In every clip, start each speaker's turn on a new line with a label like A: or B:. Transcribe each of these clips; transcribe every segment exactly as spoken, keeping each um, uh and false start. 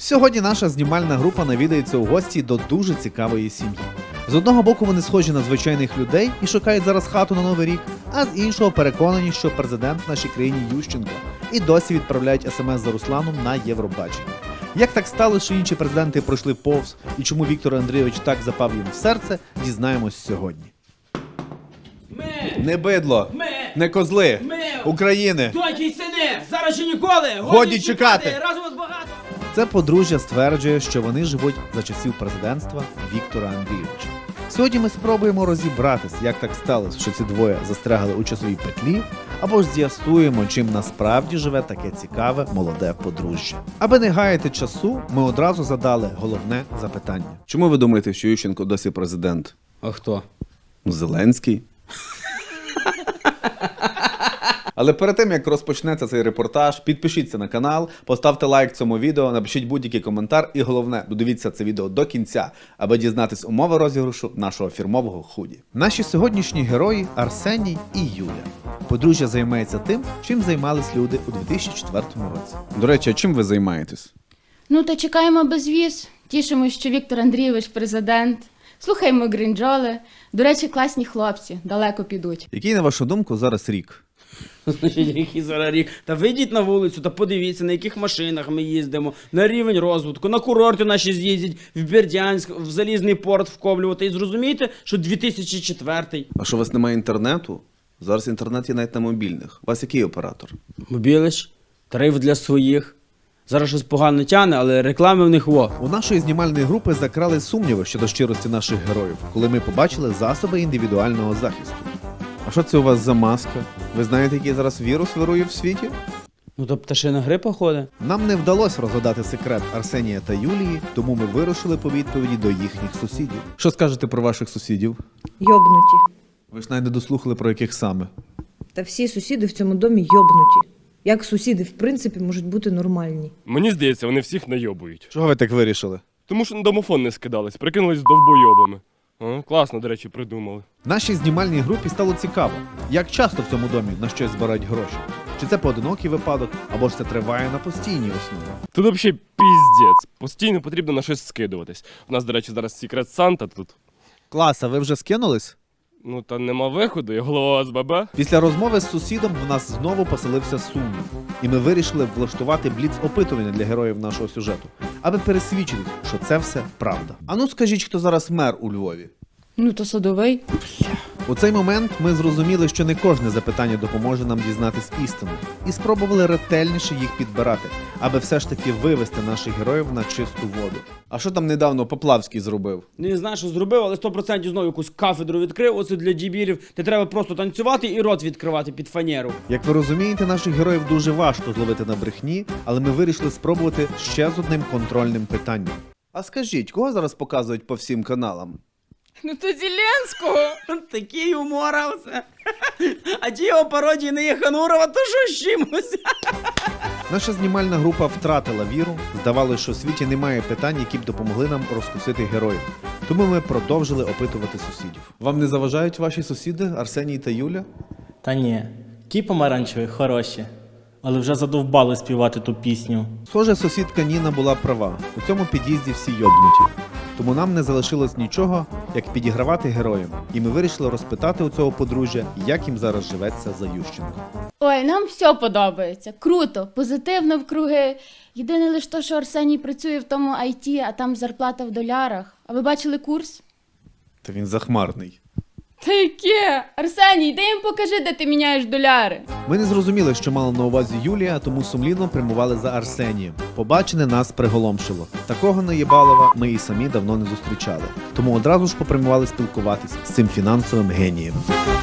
A: Сьогодні наша знімальна група навідається у гості до дуже цікавої сім'ї. З одного боку вони схожі на звичайних людей і шукають зараз хату на Новий рік, а з іншого переконані, що президент в нашій країні Ющенко і досі відправляють смс за Русланом на Євробачення. Як так сталося, що інші президенти пройшли повз і чому Віктор Андрійович так запав їм в серце, дізнаємось сьогодні.
B: Ми!
A: Не бидло,
B: Ми!
A: не козли,
B: Ми!
A: України.
B: Доньки й сини! Зараз чи ніколи!
A: Годі чекати!
B: Разом вас багато!
A: Це подружжя стверджує, що вони живуть за часів президентства Віктора Андрійовича. Сьогодні ми спробуємо розібратись, як так сталося, що ці двоє застрягли у часовій петлі, або ж з'ясуємо, чим насправді живе таке цікаве молоде подружжя. Аби не гаяти часу, ми одразу задали головне запитання. Чому ви думаєте, що Ющенко досі президент?
B: А хто?
A: Зеленський. Але перед тим, як розпочнеться цей репортаж, підпишіться на канал, поставте лайк цьому відео, напишіть будь-який коментар і головне, додивіться це відео до кінця, аби дізнатись умови розіграшу нашого фірмового худі. Наші сьогоднішні герої – Арсеній і Юля. Подружжя займається тим, чим займались люди у дві тисячі четвертому році. До речі, а чим ви займаєтесь?
C: Ну, та чекаємо безвіз. Тішимось, що Віктор Андрійович президент. Слухаємо гринджоли. До речі, класні хлопці, далеко підуть.
A: Який, на вашу думку, зараз рік?
B: Значить, який зараз рік? Та вийдіть на вулицю та подивіться, на яких машинах ми їздимо, на рівень розвитку, на курорти наші з'їздять, в Бердянськ, в Залізний порт вковлювати. І зрозумієте, що дві тисячі четвертий.
A: А що у вас немає інтернету? Зараз інтернет є навіть на мобільних. У вас який оператор?
B: Мобілич, тариф для своїх. Зараз щось погано тяне, але реклами в них во.
A: У нашої знімальної групи закрали сумніви щодо щирості наших героїв, коли ми побачили засоби індивідуального захисту. А що це у вас за маска? Ви знаєте, який зараз вірус вирує в світі?
B: Ну то пташина грипа ходить.
A: Нам не вдалося розгадати секрет Арсенія та Юлії, тому ми вирушили по відповіді до їхніх сусідів. Що скажете про ваших сусідів?
D: Йобнуті.
A: Ви ж навіть не дослухали, про яких саме.
D: Та всі сусіди в цьому домі йобнуті. Як сусіди, в принципі, можуть бути нормальні.
E: Мені здається, вони всіх найобують.
A: Чого ви так вирішили?
E: Тому що на домофон не скидались, прикинулись довбойобами. А, класно, до речі, придумали.
A: Нашій знімальній групі стало цікаво, як часто в цьому домі на щось збирають гроші. Чи це поодинокий випадок, або ж це триває на постійній основі.
E: Тут взагалі піздець. Постійно потрібно на щось скидуватись. У нас, до речі, зараз секрет Санта тут.
A: Клас, а ви вже скинулись?
E: Ну та нема виходу, я голова ОСББ.
A: Після розмови з сусідом в нас знову поселився сумнів, і ми вирішили влаштувати бліц-опитування для героїв нашого сюжету, аби пересвідчитись, що це все правда. А ну скажіть, хто зараз мер у Львові?
C: Ну, то Садовий.
A: У цей момент ми зрозуміли, що не кожне запитання допоможе нам дізнатись істину, і спробували ретельніше їх підбирати, аби все ж таки вивести наших героїв на чисту воду. А що там недавно Поплавський зробив?
B: Ну, не знаю, що зробив, але сто відсотків знову якусь кафедру відкрив. Оце для дібірів. Де треба просто танцювати і рот відкривати під фанеру.
A: Як ви розумієте, наших героїв дуже важко зловити на брехні, але ми вирішили спробувати ще з одним контрольним питанням. А скажіть, кого зараз показують по всім каналам?
C: Ну, то Зеленського.
B: Такий умор, а все. А ті його пародії не є Ханурова, то що з чимось?
A: Наша знімальна група втратила віру, здавалося, що в світі немає питань, які б допомогли нам розкусити героїв. Тому ми продовжили опитувати сусідів. Вам не заважають ваші сусіди, Арсеній та Юля?
F: Та ні, ті помаранчеві хороші, але вже задовбали співати ту пісню.
A: Схоже, сусідка Ніна була права. У цьому під'їзді всі йобнуті. Тому нам не залишилось нічого, як підігравати героям. І ми вирішили розпитати у цього подружжя, як їм зараз живеться за Ющенко.
C: Ой, нам все подобається. Круто, позитивно вкруги. Єдине лише то, що Арсеній працює в тому ай ті, а там зарплата в долярах. А ви бачили курс?
A: Та він захмарний.
C: Та яке? Арсеній, йди їм покажи, де ти міняєш доляри.
A: Ми не зрозуміли, що мала на увазі Юлія, тому сумлінно прямували за Арсенієм. Побачене нас приголомшило. Такого наєбалова ми і самі давно не зустрічали. Тому одразу ж попрямували спілкуватись з цим фінансовим генієм.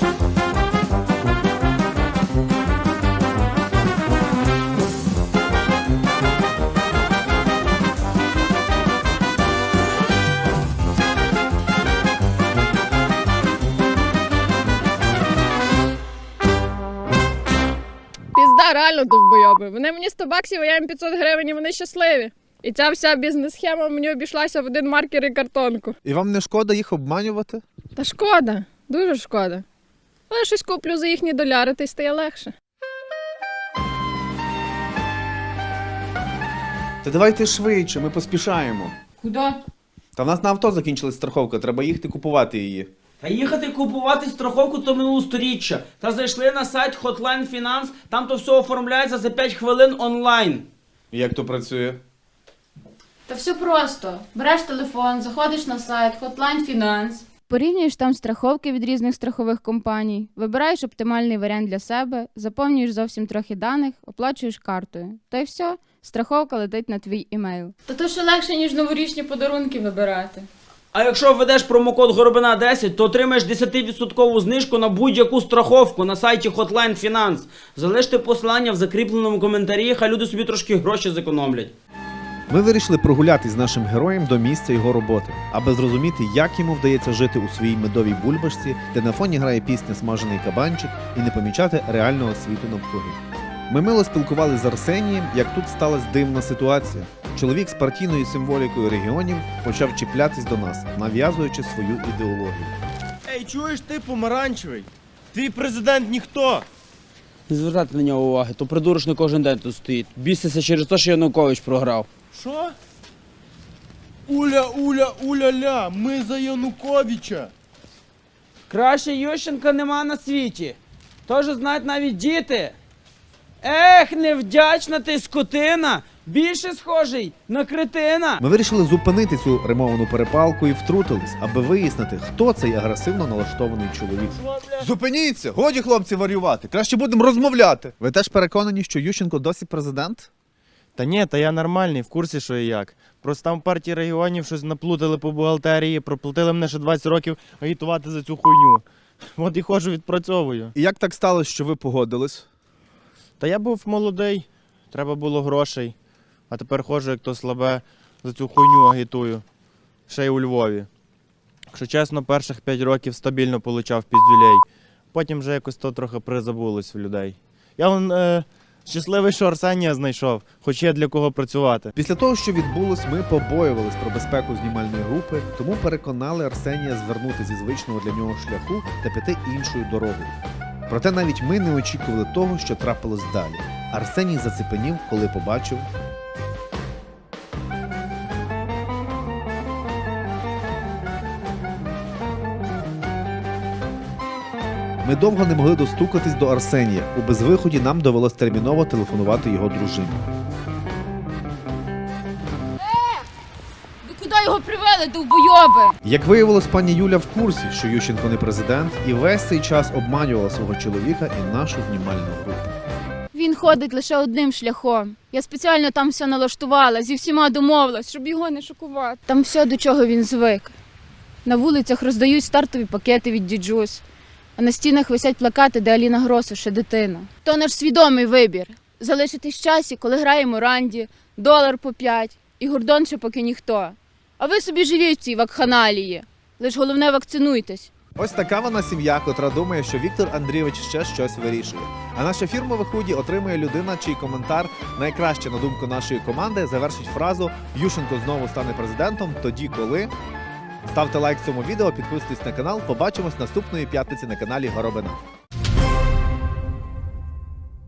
G: Пізда, реально довбойоби. Вони мені сто баксів, а я їм п'ятсот гривень, і вони щасливі. І ця вся бізнес-схема мені обійшлася в один маркер і картонку.
A: І вам не шкода їх обманювати?
G: Та шкода, дуже шкода. Але щось куплю за їхні доляри, та й стає легше.
A: Та давайте швидше, ми поспішаємо.
C: Куди?
A: Та в нас на авто закінчилась страховка, треба їхати купувати її.
B: Та їхати купувати страховку то минулосторіччя. Та зайшли на сайт Hotline Finance, там то все оформляється за п'ять хвилин онлайн.
A: Як то працює?
C: Та все просто. Береш телефон, заходиш на сайт Hotline Finance. Порівнюєш там страховки від різних страхових компаній, вибираєш оптимальний варіант для себе, заповнюєш зовсім трохи даних, оплачуєш картою. Та й все, страховка летить на твій імейл. Та то ще легше, ніж новорічні подарунки вибирати.
B: А якщо введеш промокод Горобина десять, то отримаєш десять відсотків знижку на будь-яку страховку на сайті Hotline Finance. Залиште посилання в закріпленому коментарі, хай люди собі трошки гроші зекономлять.
A: Ми вирішили прогулятись з нашим героєм до місця його роботи, аби зрозуміти, як йому вдається жити у своїй медовій бульбашці, де на фоні грає пісня «Смажений кабанчик» і не помічати реального світу навкруги. Ми мило спілкувалися з Арсенієм, як тут сталася дивна ситуація. Чоловік з партійною символікою регіонів почав чіплятись до нас, нав'язуючи свою ідеологію.
H: Ей, чуєш ти, помаранчевий? Твій президент ніхто.
B: Не звертайте на нього уваги, то придурочно кожен день тут стоїть. Біситься через те, що Янукович програв.
H: Що? Уля, уля, уля-ля, ми за Януковича.
B: Краще Ющенка нема на світі. Тож знають навіть діти. Ех, невдячна ти скотина! Більше схожий на кретина!
A: Ми вирішили зупинити цю римовану перепалку і втрутились, аби вияснити, хто цей агресивно налаштований чоловік. Зупиніться! Годі, хлопці, варювати! Краще будемо розмовляти! Ви теж переконані, що Ющенко досі президент?
H: Та ні, та я нормальний, в курсі, що і як. Просто там в партії регіонів щось наплутали по бухгалтерії, проплатили мене ще двадцять років агітувати за цю хуйню. От і ходжу, відпрацьовую.
A: І як так сталося, що ви погодились?
H: Та я був молодий, треба було грошей. А тепер ходжу, як то слабе, за цю хуйню агітую. Ще й у Львові. Якщо чесно, перших п'ять років стабільно получав піздюлей. Потім вже якось то трохи призабулось в людей. Я вон е, щасливий, що Арсенія знайшов, хоч є для кого працювати.
A: Після того, що відбулось, ми побоювались про безпеку знімальної групи, тому переконали Арсенія звернути зі звичного для нього шляху та піти іншою дорогою. Проте навіть ми не очікували того, що трапилось далі. Арсеній зацепенів, коли побачив... Ми довго не могли достукатись до Арсенія. У безвиході нам довелось терміново телефонувати його дружині.
C: Ви куди його привели, довбойоби?
A: Як виявилось, пані Юля в курсі, що Ющенко не президент, і весь цей час обманювала свого чоловіка і нашу знімальну групу.
C: Він ходить лише одним шляхом. Я спеціально там все налаштувала, зі всіма домовилась, щоб його не шокувати. Там все, до чого він звик. На вулицях роздають стартові пакети від діджус, а на стінах висять плакати, де Аліна Гросу ще дитина. То наш свідомий вибір. Залишитись в часі, коли граємо ранді, долар по п'ять, і Гордон ще поки ніхто. А ви собі живіть в цій вакханалії. Лиш головне вакцинуйтесь.
A: Ось така вона сім'я, котра думає, що Віктор Андрійович ще щось вирішує. А наше фірмове худі отримує людина, чий коментар найкраще, на думку нашої команди, завершить фразу «Ющенко знову стане президентом тоді, коли…». Ставте лайк цьому відео, підписуйтесь на канал, побачимось наступної п'ятниці на каналі Горобина.